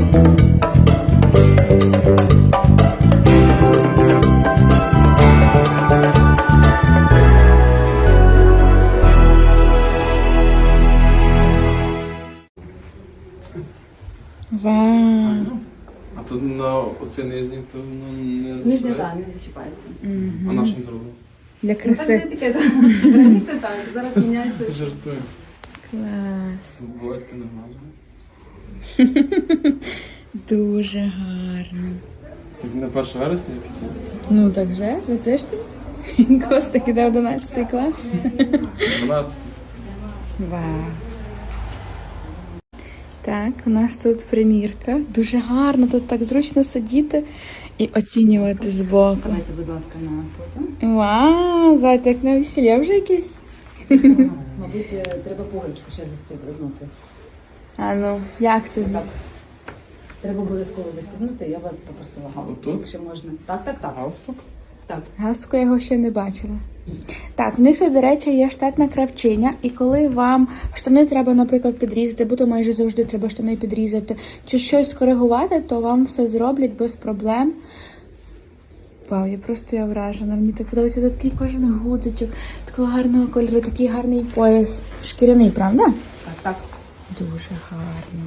Вау. А тут на оці нижні, то воно не Нижня, так, не зачіпається. А на чим зроблено? Для Ну, так краси. це таке, так. Раніше так, зараз міняється. Жартую. Клас. Володька не глажує. Дуже гарно. Так на 1 вересня якийсь? Ну так вже, за тиждень. Костик іде в 11 клас. 12. Вау. Так, у нас тут примірка. Дуже гарно, тут так зручно сидіти і оцінювати збоку. Ставайте, будь ласка, на фото. Вау, зайка, як на весілля вже якесь. Мабуть, треба пуговичку ще застібнути. А ну, як тобі? Так. Треба обов'язково застібнути, я вас попросила галстук, Отут? якщо можна. Так, так, так. Галстук? Так. Галстука я його ще не бачила. Так, в них тут, до речі, є штатна кравчиня, і коли вам штани треба, наприклад, підрізати, бо то майже завжди треба штани підрізати, чи щось скоригувати, то вам все зроблять без проблем. Вау, я вражена. Мені так подобається тут такий кожен гудзичок, такого гарного кольору, такий гарний пояс. Шкіряний, правда? Так, так. Дуже гарно.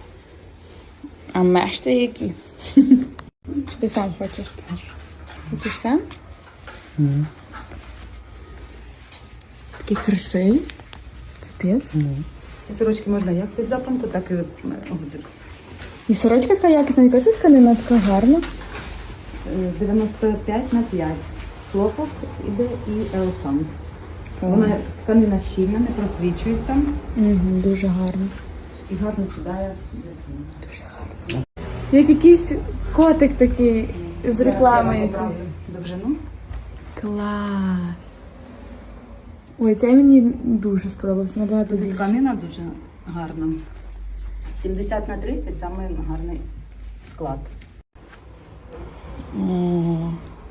А мешти які? Чи ти сам хочеш? Ти сам? Такі красиві. Капець. Ці сорочки можна як під запанку, так і гудзик. І сорочка така якісна, яка це тканина така гарна. 95/5. Хлопок іде і еластан. Вона тканина щільна, не просвічується Угу, дуже гарно. і гарно сідає. Дуже гарно. Як якийсь котик такий з реклами. Одразу довжину. Клас. Ой, цей мені дуже сподобався, набагато Тут більше. тканина дуже гарна. 70/30 саме гарний склад. О.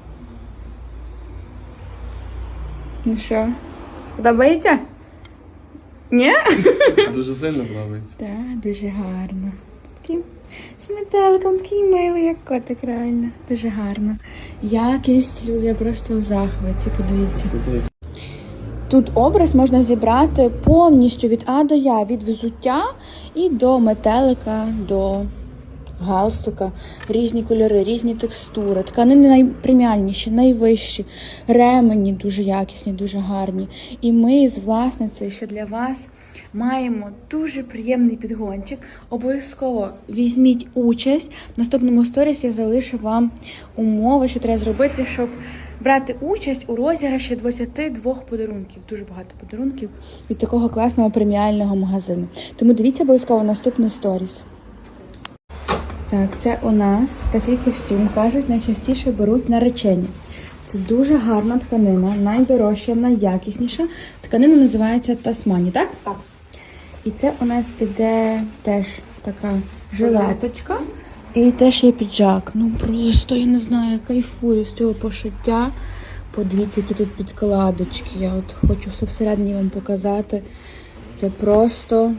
Ну що, подобається? Ні? Дуже сильно подобається. Так, дуже гарно. Таким з метеликом, такий милий, як котик, реально. Дуже гарно. Якість, люди, я просто в захваті, подивіться. Тут образ можна зібрати повністю від А до Я, від взуття і до метелика, до галстука. Різні кольори, різні текстури. Тканини найпреміальніші, найвищі. Ремені дуже якісні, дуже гарні. І ми з власницею, що для вас маємо дуже приємний підгончик. Обов'язково візьміть участь. В наступному сторіс я залишу вам умови, що треба зробити, щоб брати участь у розіграші 22 подарунків. Дуже багато подарунків від такого класного преміального магазину. Тому дивіться обов'язково наступний сторіс. Так, це у нас такий костюм, кажуть, найчастіше беруть наречені. Це дуже гарна тканина, найдорожча, найякісніша. Тканина називається Тасмані, так? Так. І це у нас іде теж така жилеточка. І теж є піджак. Ну просто, я не знаю, я кайфую з цього пошиття. Подивіться, які тут підкладочки. Я от хочу все всередині вам показати. Це просто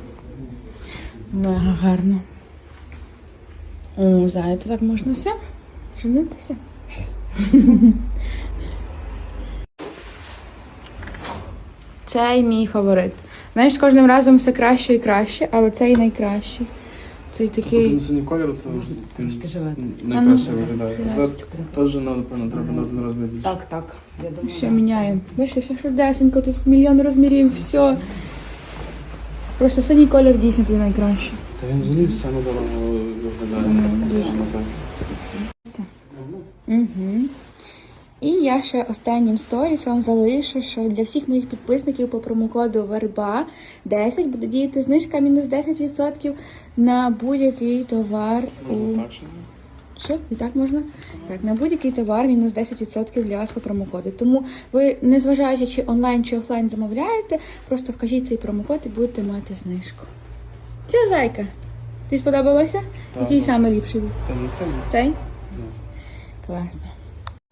мега гарно. О, знаєте, так можна все женитися. Цей мій фаворит. Знаєш, з кожним разом все краще і краще, але цей найкращий. Цей такий... Тут синій кольор, то трошки жилет. найкраще виглядає. Це теж, напевно, треба на один розмір більше. Так, так. Я думаю, Все міняємо. Бачите, все швидесенько, тут мільйон розмірів, все. Просто синій колір дійсно тут найкращий. Та він заліз саме дорого виглядає. Саме так. Угу. І я ще останнім сторіс вам залишу, що для всіх моїх підписників по промокоду VERBA10 буде діяти знижка мінус 10% на будь-який товар. Що? І так можна? Так, на будь-який товар мінус 10% для вас по промокоду. Тому ви, незважаючи чи онлайн, чи офлайн замовляєте, просто вкажіть цей промокод і будете мати знижку. Це зайка. Тобі сподобалося? Так. Який саме ліпший був? Та не сильно. Цей? Ясно. Класно.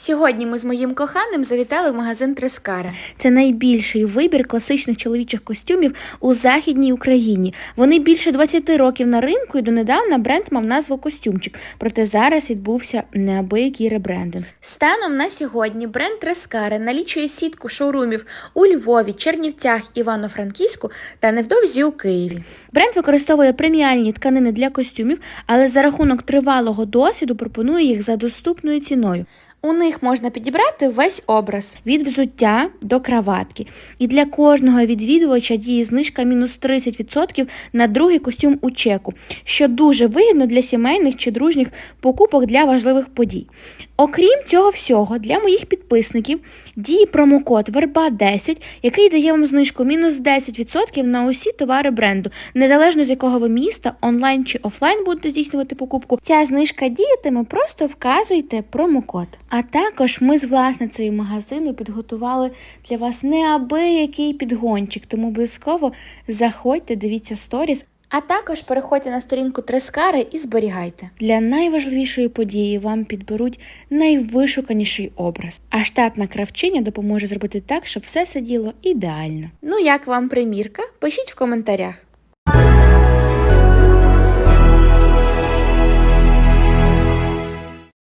Сьогодні ми з моїм коханим завітали в магазин Трескара. Це найбільший вибір класичних чоловічих костюмів у Західній Україні. Вони більше 20 років на ринку і донедавна бренд мав назву «Костюмчик». Проте зараз відбувся неабиякий ребрендинг. Станом на сьогодні бренд Трескара налічує сітку шоурумів у Львові, Чернівцях, Івано-Франківську та невдовзі у Києві. Бренд використовує преміальні тканини для костюмів, але за рахунок тривалого досвіду пропонує їх за доступною ціною. У них можна підібрати весь образ – від взуття до краватки. І для кожного відвідувача діє знижка мінус 30% на другий костюм у чеку, що дуже вигідно для сімейних чи дружніх покупок для важливих подій. Окрім цього всього, для моїх підписників діє промокод VERBA10, який дає вам знижку мінус 10% на усі товари бренду, незалежно з якого ви міста, онлайн чи офлайн будете здійснювати покупку. Ця знижка діятиме, просто вказуйте промокод. А також ми з власницею магазину підготували для вас неабиякий підгончик, тому обов'язково заходьте, дивіться сторіс, а також переходьте на сторінку Трескари і зберігайте. Для найважливішої події вам підберуть найвишуканіший образ, а штатна кравчиня допоможе зробити так, щоб все сиділо ідеально. Ну як вам примірка? Пишіть в коментарях.